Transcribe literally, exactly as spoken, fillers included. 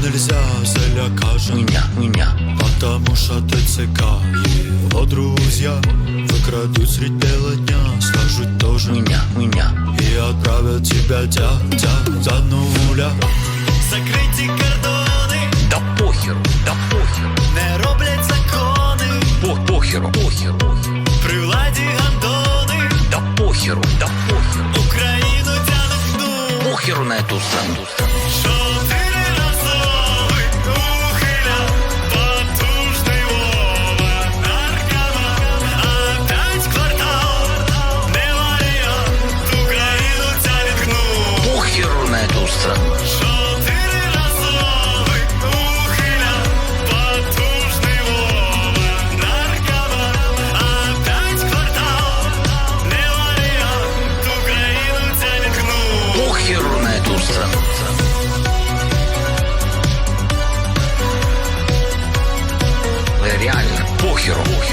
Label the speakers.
Speaker 1: нельзя залякать
Speaker 2: меня, меня.
Speaker 1: Потому что ты цыка. Его друзья выкрадут средь бела дня, скажут тоже
Speaker 2: Меня, меня.
Speaker 1: и отправят тебя тя-тя за нуля. Закрыті кордони,
Speaker 2: Да похеру, да похеру.
Speaker 1: не роблять закони,
Speaker 2: По похеру, похеру.
Speaker 1: при владі гандони,
Speaker 2: Да похеру, да похеру.
Speaker 1: Україну тянуть гну.
Speaker 2: Похеру на эту страну.
Speaker 1: Чотириразовий ухиля, потужний Вова, наркоман, опять квартал, не варіант, Україну тянуть гну.
Speaker 2: Похеру на эту страну.
Speaker 1: Чотириразовий ухиля, потужний Вова, наркоман, опять квартал, не варіант, Україну тянуть гну.
Speaker 2: Похеру на эту страну. Реально, похеру.